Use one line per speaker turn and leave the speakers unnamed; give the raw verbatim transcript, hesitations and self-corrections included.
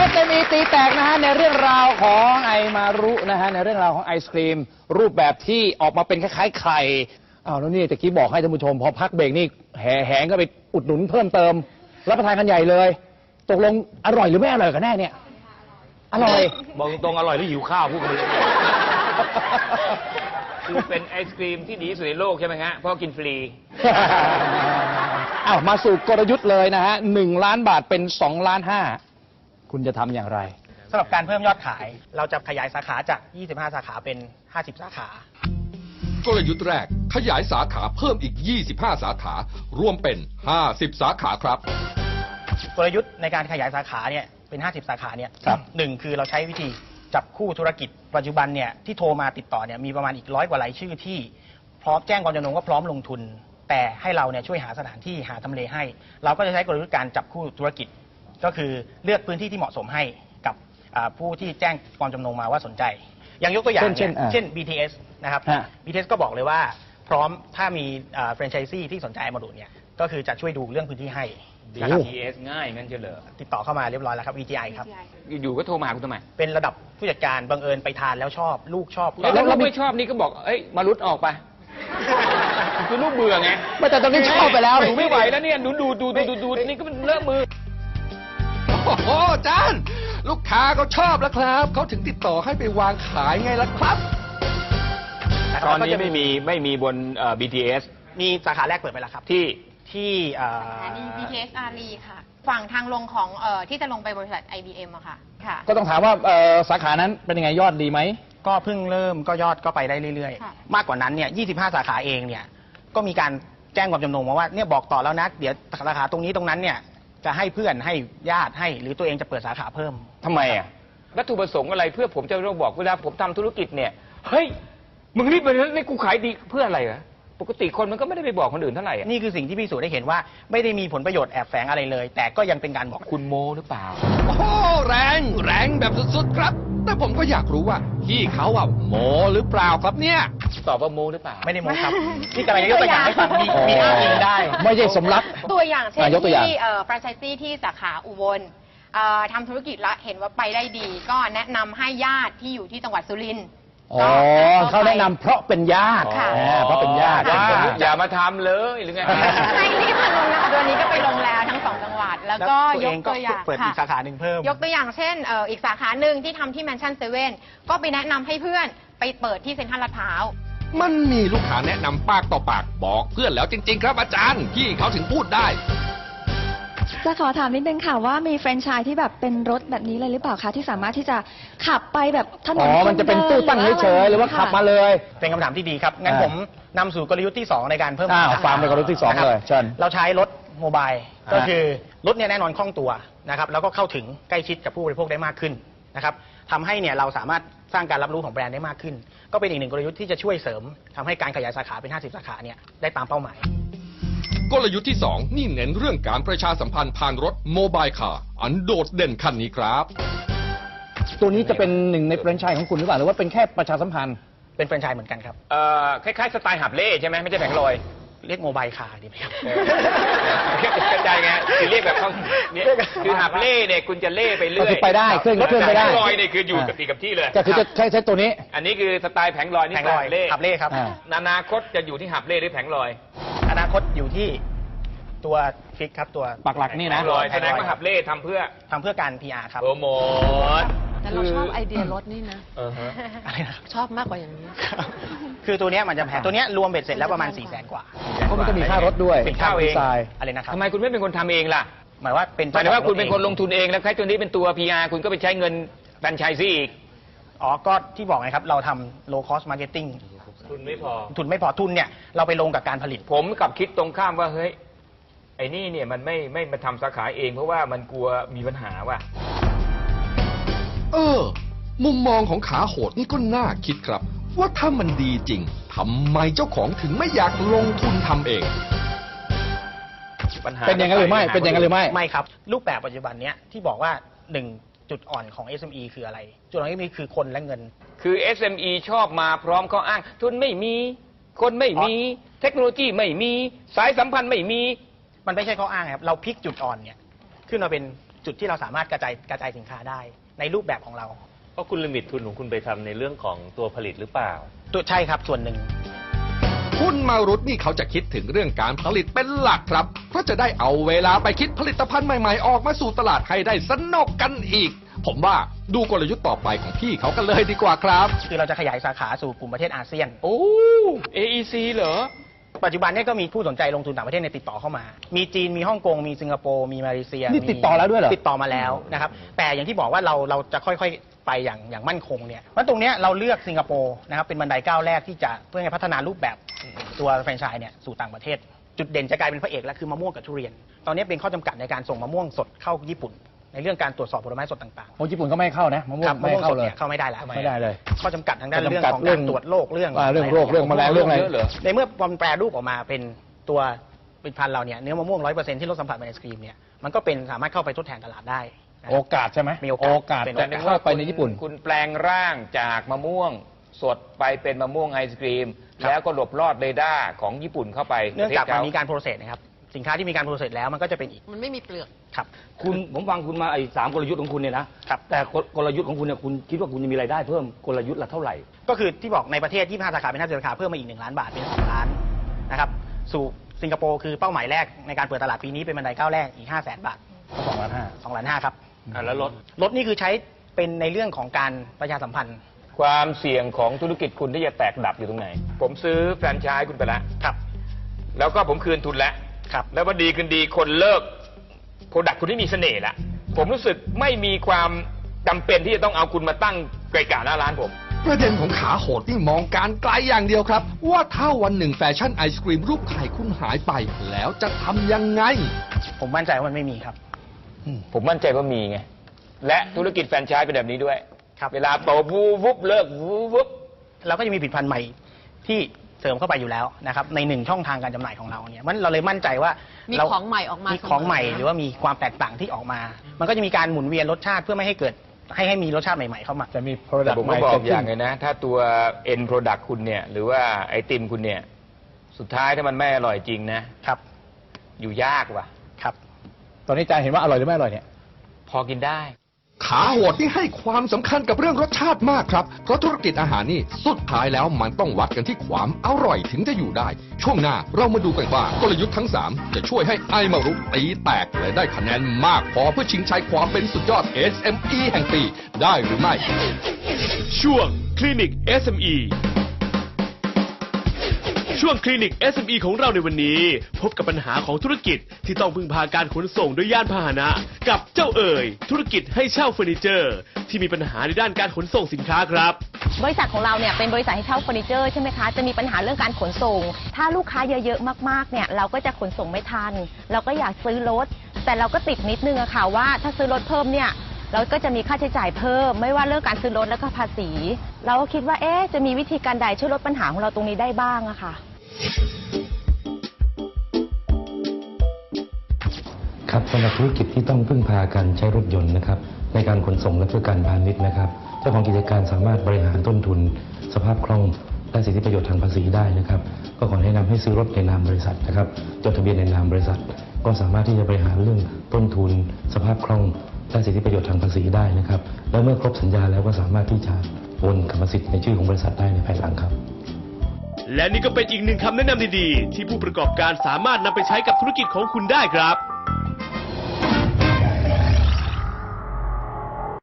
เอส เอ็ม อี ตีแตกนะฮะในเรื่องราวของไอมารุนะฮะในเรื่องราวของไอศครีมรูปแบบที่ออกมาเป็นคล้ายๆไข่อ้าวแล้วนี่ตะกี้บอกให้ท่านผู้ชมพอพักเบรกนี่แห่แหงก็ไปอุดหนุนเพิ่มเติมรับประทานกันใหญ่เลยตกลงอร่อยหรือไม่อร่อยกันแน่เนี่ยอร่อย
บอกตรงๆอร่อยหรือหิวข้าวพูดกันเลยคือเป็นไอศครีมที่ดีที่สุดในโลกใช่ไหมฮะเพราะกินฟรี
อ้าวมาสู่กลยุทธ์เลยนะฮะหนึ่งล้านบาทเป็นสองล้านห้าคุณจะทำอย่างไร
สำหรับการเพิ่มยอดขายเราจะขยายสาขาจากยี่สิบห้าสาขาเป็นห้าสิบสาขาก
ลยุทธ์แรกขยายสาขาเพิ่มอีกยี่สิบห้าสาขารวมเป็นห้าสิบสาขาครับ
กลยุทธ์ในการขยายสาขาเนี่ยเป็นห้าสิบสาขาเนี่ยหนึ่งคือเราใช้วิธีจับคู่ธุรกิจปัจจุบันเนี่ยที่โทรมาติดต่อเนี่ยมีประมาณอีกร้อยกว่ารายชื่อที่พร้อมแจ้งความจำนงว่าพร้อมลงทุนแต่ให้เราเนี่ยช่วยหาสถานที่หาทำเลให้เราก็จะใช้กลยุทธ์การจับคู่ธุรกิจก็คือเลือกพื้นที่ที่เหมาะสมให้กับผู้ที่แจ้งความจำนงมาว่าสนใจอย่างยกตัวอย่างเนี่ยเช่น บี ที เอส นะครับ บี ที เอส ก็บอกเลยว่าพร้อมถ้ามีแฟรนไชส์ซีที่สนใจมาดูเนี่ยก็คือจะช่วยดูเรื่องพื้นที่ให้
บี ที เอส ง่ายงั้นเฉลย
ติดต่อเข้ามาเรียบร้อยแล้วครับ วี จี ไอ ครับ
อยู่ก็โทรมาหาคุณทำไม
เป็นระดับผู้จัดการบังเอิญไปทานแล้วชอบลูกชอบ
แล้วลูกไม่ชอบนี่ก็บอกเอ้ยมารุดออกไปคือลูกเบื่อไง
ไม่แต่ตอนนี้ชอบไปแล้ว
หนูไม่ไหวแล้วเนี่ยหนูดูดูดูดูดูนี่ก็เป็นเลอะมือ
โอ้โหอาจารย์ลูกค้าเขาชอบแล้วครับเขาถึงติดต่อให้ไปวางขายไงล่ะครับ
ตอนนี้ไม่มีไม่มีบน บี ที เอส
มีสาขาแรกเปิดไปแล้วครับ
ที่
ที่
สถานี บี ที เอส อารีค่ะฝั่งทางลงของเอ่อที่จะลงไปบริษัท ไอ บี เอ็ม อะค่ะค่ะ
ก็ต้องถามว่าสาขานั้นเป็นยังไงยอดดีไหม
ก็เพิ่งเริ่มก็ยอดก็ไปได้เรื่อยๆมากกว่านั้นเนี่ยยี่สิบห้าสาขาเองเนี่ยก็มีการแจ้งความจำนงมาว่าเนี่ยบอกต่อแล้วนะเดี๋ยวสาขาตรงนี้ตรงนั้นเนี่ยจะให้เพื่อนให้ญาติให้หรือตัวเองจะเปิดสาขาเพิ่ม
ทำไมอ่ะวัตถุประสงค์อะไรเพื่อผมจะต้องบอกเวลาผมทำธุรกิจเนี่ยเฮ้ยมึงรีบไปเลยให้กูขายดีเพื่ออะไรวะปกติคนมันก็ไม่ได้ไปบอกคนอื่นเท่าไหร่
นี่คือสิ่งที่พิสูจน์ได้เห็นว่าไม่ได้มีผลประโยชน์แอบแฝงอะไรเลยแต่ก็ยังเป็นการบอก
คุณโมหรือเปล่า
โอ้แรงแรงแบบสุดๆครับแต่ผมก็อยากรู้ว่าพี่เขาอ่ะโมหรือเปล่าครับเนี่ย
ตอบว่าโมหรือเปล่า
ไม่ได้โมครับนี่กำลังยกตัวอย่างให้ฟังมีมีอ้างอิงได้
ไม่ใช่สมรัก
ตัวอย่างเช่นที่แฟรนไชส์ซีที่สาขาอุบลทำธุรกิจแล้วเห็นว่าไปได้ดีก็แนะนำให้ญาติที่อยู่ที่จังหวัดสุรินทร์
อ๋อเขาแนะนำเพราะเป็นญาติเพราะเป็นญาติ
อย่ามาทำเลยหรือไง
ไม่ที่มาลงนะคะตัวนี้ก็ไปลงแล้วทั้งสองจังหวัดแล้วก็ยกตัวอย่าง
เปิดอีกสาขาหนึ่งเพิ่ม
ยกตัวอย่างเช่นอีกสาขาหนึ่งที่ทำที่แมนชั่นเซเว่นก็ไปแนะนำให้เพื่อนไปเปิดที่เซ็นทรัลลาดพร้าว
มันมีลูกค้าแนะนำปากต่อปากบอกเพื่อนแล้วจริงๆครับอาจารย์พี่เขาถึงพูดได้
จะขอถามนิดนึงค่ะว่ามีแฟรนไชส์ที่แบบเป็นรถแบบนี้เลยหรือเปล่าคะที่สามารถที่จะขับไปแบบถนน
อ๋อมันจะเป็นตู้ตั้งเฉยๆหรือว่าขับมาเลย
เป็นคำถามที่ดีครับงั้นผมนำสู่กลยุทธ์ที่สองในการเพิ่ม
ฟังเป็นกลยุทธ์ที่สองเลยเชิญ
เราใช้รถโมบายก็คือรถเนี่ยแน่นอนคล่องตัวนะครับแล้วก็เข้าถึงใกล้ชิดกับผู้บริโภคได้มากขึ้นนะครับทำให้เนี่ยเราสามารถสร้างการรับรู้ของแบรนด์ได้มากขึ้นก็เป็นอีกหนึ่งกลยุทธ์ที่จะช่วยเสริมทำให้การขยายสาขาเป็นห้าสิบสาขาเนี่ยได้ตามเป้าหมาย
กลยุทธ์ที่สองนี่เน้นเรื่องการประชาสัมพันธ์ผ่านรถโมบายคาร์อันโดดเด่นคันนี้ครับ
ตัวนี้จะเป็นหนึ่งในแฟรนไชส์ของคุณหรือเปล่าหรือว่าเป็นแค่ประชาสัมพันธ์
เป็นแฟรนไชส์เหมือนกันครับ
เอ่อคล้ายๆสไตล์หับเล่ใช่ไหมไม่ใช่แผงลอย
เรียกโมบายคาร์ดีไหมครับ
กระจายไงคือเรียกแบบต้องคือหับเล่เนี่ยคุณจะเล่ไปเรื่อย
ไปได้เครื่องเครื่องไปได้
แผงลอยเนี่ยคืออยู่กับที่กับที่เลย
ก็คือจะใช้ใช้ตัวนี้
อันนี้คือสไตล์แผงลอยนี่
แผงลอยเล่หับเล่ครับ
อนาคตจะอยู่ที่หับเล่หรือแผงลอย
อนาคตอยู่ที่ตัวฟิกครับตัว
ปักหลักนี่นะ
ลอยแสดงว่าหับเล่ทำเพื่อ
ทำเพื่อการ พี อาร์ ครับ
โปรโมท
แต่เราชอบไอเดียรถนี่นะ
อะไรนะครับ
ชอบมากกว่าอย่างนี้
คือตัวนี้มันจะแพงตัวนี้รวมเบ็ดเสร็จแล้วประมาณสี่แสนกว่า
เพราะมันก็มีค่ารถด้วย
เป็นค่าเองอะไรนะครับ
ทำไมคุณไม่เป็นคนทำเองล่ะ
หมายว่าเป็น
หมายว่าคุณเป็นคนลงทุนเองแล้วใช้ตัวนี้เป็นตัว พี อาร์ คุณก็ไปใช้เงินแฟรนไชส์อีก
อ๋อก็ที่บอกไงครับเราทำ low cost marketing
ทุนไม่พอ
ทุนไม่พอทุนเนี่ยเราไปลงกับการผลิต
ผมกับคิดตรงข้ามว่าเฮ้ยไอ้นี่เนี่ยมันไม่ไม่มาทำสาขาเองเพราะว่ามันกลัวมีปัญหาว่ะ
เออมุมมองของขาโหดนี่ก็น่าคิดครับว่าถ้ามันดีจริงทำไมเจ้าของถึงไม่อยากลงทุนทำเอง
เป็นอย่างนั้นหรือไม่เป็นอย่างนั้นหรือไม่
ไม่ครับรูปแบบปัจจุบันเนี้ยที่บอกว่าหนึ่งจุดอ่อนของ เอส เอ็ม อี คืออะไรจุดอ่อนที่มีคือคนและเงิน
คือ เอส เอ็ม อี ชอบมาพร้อมข้ออ้างทุนไม่มีคนไม่มีเทคโนโลยีไม่มีสายสัมพันธ์ไม่มี
มันไม่ใช่ข้ออ้างครับเราพลิกจุดอ่อนเนี่ยขึ้นมาเป็นจุดที่เราสามารถกระจายกระจายสินค้าได้ในรูปแบบของเรา
เพราะคุณลิมิตทุนของคุณไปทำในเรื่องของตัวผลิตหรือเปล่า
ตัวใช่ครับส่วนหนึ่ง
คุณมารุตนี่เขาจะคิดถึงเรื่องการผลิตเป็นหลักครับ เพราะจะได้เอาเวลาไปคิดผลิตภัณฑ์ใหม่ๆ ออกมาสู่ตลาดให้ได้สนุกกันอีก ผมว่าดูกลยุทธ์ต่อไปของพี่เขากันเลยดีกว่าครับ
คือเราจะขยายสาขาสู่กลุ่มประเทศอาเซียน
โอ้ เอ อี ซี เหรอ
ปัจจุบันเนี้ก็มีผู้สนใจลงทุนต่างประเทศในยติดต่อเข้ามา มีจีน มีฮ่องกง มีสิงคโปร์ มีมาเลเซีย
นี่
มี
ติดต่อแล้วด้วยเหรอ
ติดต่อมาแล้วนะครับ แต่อย่างที่บอกว่าเราเราจะค่อยๆไปอย่างอย่างมั่นคงเนี่ยเพราะตรงเนี้ยเราเลือกสิงคโปร์นะครับเป็นบันไดก้าวแรกที่จะเพื่อให้พัฒนารูปแบบตัวแฟรนไชส์เนี่ยสู่ต่างประเทศ จุดเด่นจะกลายเป็นพระเอกแล้วคือมะม่วงกับทุเรียน ตอนนี้เป็นข้อจำกัดในการส่งมะม่วงสดเข้าญี่ปุ่น ในเรื่องการตรวจสอบผลไม้สดต่างๆ
โอ้ญี่ปุ่นก็ไม่ให้เข้านะมะม่ว
ค
ง
รับ
ไม่
มะม่
ให้
วงส
เข้า
ด
เลย
เนี่ยเข้าไม่ได้แล้ว
ไม่ได้เลย
ข้อจำกัดทางด้าน
ข้อ
เรื่อง
จำกัด
ของ
เรื่
กา
อง
รตรวจโรคเรื่อง
อ่าเรื่องโรคเรื่องแมลงเรื่องอะไร
เยอะเหรอ
ในเมื่อมันแปรรูปออกมาเป็นตัวผลิตภัณฑ์เราเนี่ยเนื้อมะม่วงร้อยเปอร์เซ็นต์ที่ลดสัมผัสเป็นไอศครีมเนี่ยมันก็เป็นสามารถเข้าไปทดแทนตลาดได้นะครับ
โอกาสใช่ไหม
มีโอกาส
โอกาส
เป็น
จะเข้าไปในญี่ปุ่น
คุณแปลงร่างจากมะม่วงสดไปเป็นมะม่วงไอศกรีม แล้วก็หลบลอดเรดาร์ของญี่ปุ่นเข้าไป
เนื่องจาก
ประ
มัน
ทศข
มีการโปรเซสนะครับสินค้าที่มีการโปรเซสแล้วมันก็จะเป็นอีก
มันไม่มีเปลือก
ครับ
คุณผมฟังคุณมาไอ้สามกลยุทธ์ของคุณเนี่ยนะครับ แต่กลกลยุทธ์ของคุณเนี่ยคุณคิดว่าคุณจะมีรายได้เพิ่มกลยุทธ์ละเท่าไหร่
ก็คือที่บอกในประเทศยี่สิบห้าสาขาเป็นห้าสิบสาขาเพิ่มมาอีกหนึ่งล้านบาทเป็นสองล้านนะครับสู่สิงคโปร์คือเป้าหมายแรกในการเปิดตลาดปีนี้เป็นบันไดก้าวแรกอีกห้าแสนบาท
สองล้านห้า
สองล้านห้าครับ
อ่ะแล้วรถ
รถนี่คือใช้เป็นในเรื่องของการประชาสัมพันธ์
ความเสี่ยงของธุรกิจคุณที่จะแตกดับอยู่ตรงไหน ผมซื้อแฟรนไชส์คุณไปแล้ว
ครับ
แล้วก็ผมคืนทุนแล้ว
ครับ
แล้ววันดีคืนดีคนเลิกโปรดักคุณที่มีเสน่ห์ละผมรู้สึกไม่มีความจำเป็นที่จะต้องเอาคุณมาตั้งไกลกาหน้าร้านผม
ประเด็นของขาโหดนี่มองการไกลอย่างเดียวครับ ว่าถ้าวันหนึ่งแฟชั่นไอศกรีมรูปไข่คุณหายไป แล้วจะทำยังไง
ผมมั่นใจว่ามันไม่มีครับ
ผมมั่นใจว่ามีไง และธุรกิจแฟรนไชส์เป็นแบบนี้ด้วย
ครับ
เวลาโตวูวุบเลิกวูวุบ
เราก็จะมีผลิตภัณฑ์ใหม่ที่เสริมเข้าไปอยู่แล้วนะครับในหนึ่งช่องทางการจำหน่ายของเราเนี่ยมันเราเลยมั่นใจว่า
มี
เรา
ของใหม่ออกมามี
ของใหม่
เสมอ
หรือว่ามีความแตกต่างที่ออกมา มันก็จะมีการหมุนเวียนรสชาติเพื่อไม่ให้เกิดให้ให้มีรสชาติใหม่ๆเข้ามา
จะมี
แต่
product
ผม
ให
ก็
ม่
บอก
เกิด
อ
ขึ้
ย่าน งเลยนะ ถ้าตัว end product คุณเนี่ย หรือว่าไอติมคุณเนี่ย สุดท้ายถ้ามันไม่อร่อยจริงนะ
ครับ
อยู่ยากว่ะ
ครับ
ตอนนี้อาจารย์เห็นว่าอร่อยหรือไม่อร่อยเนี่ย
พอกินได้
ขาโหดที่ให้ความสำคัญกับเรื่องรสชาติมากครับ เพราะธุรกิจอาหารนี่สุดท้ายแล้วมันต้องวัดกันที่ความอร่อยถึงจะอยู่ได้ ช่วงหน้าเรามาดูกันว่ากลยุทธ์ทั้งสามจะช่วยให้ไอมารุตีแตกและได้คะแนนมากพอเพื่อชิงชัยความเป็นสุดยอด เอส เอ็ม อี แห่งปีได้หรือไม่
ช่วงคลินิก เอส เอ็ม อี ช่วงคลินิก เอส เอ็ม อี ของเราในวันนี้ พบกับปัญหาของธุรกิจที่ต้องพึ่งพาการขนส่งด้วยยานพาหนะ กับเจ้าเอ๋ยธุรกิจให้เช่าเฟอร์นิเจอร์ ที่มีปัญหาในด้านการขนส่งสินค้าครับ
บริษัทของเราเนี่ยเป็นบริษัทให้เช่าเฟอร์นิเจอร์ใช่ไหมคะจะมีปัญหาเรื่องการขนส่ง ถ้าลูกค้าเยอะๆมากๆเนี่ยเราก็จะขนส่งไม่ทัน เราก็อยากซื้อรถแต่เราก็ติดนิดนึงอะค่ะว่าถ้าซื้อรถเพิ่มเนี่ยเราก็จะมีค่าใช้จ่ายเพิ่มไม่ว่าเรื่องการซื้อรถและก็ภาษี เราก็คิดว่าเอ๊ะจะมีวิธีการใดช่วยลดปัญหาของเราตรงนี้ได้บ้างอะค่ะ
ครับสำหรับธุรกิจที่ต้องพึ่งพาการใช้รถยนต์นะครับในการขนส่งและเพื่อการพาณิชย์นะครับเจ้าของกิจการสามารถบริหารต้นทุน สภาพคล่องและสิทธิประโยชน์ทางภาษีได้นะครับก็ขอแนะนำให้ซื้อรถในนามบริษัทนะครับจดทะเบียนในนามบริษัท ก็สามารถที่จะบริหารเรื่องต้นทุน สภาพคล่องและสิทธิประโยชน์ทางภาษีได้นะครับแล้วเมื่อครบสัญญาแล้วก็สามารถที่จะโอนกรรมสิทธิ์ในชื่อของบริษัทได้ในภายหลังครับ
และนี่ก็เป็นอีกหนึ่งคำแนะนำดีๆที่ผู้ประกอบการสามารถนำไปใช้กับธุรกิจของคุณได้ครับ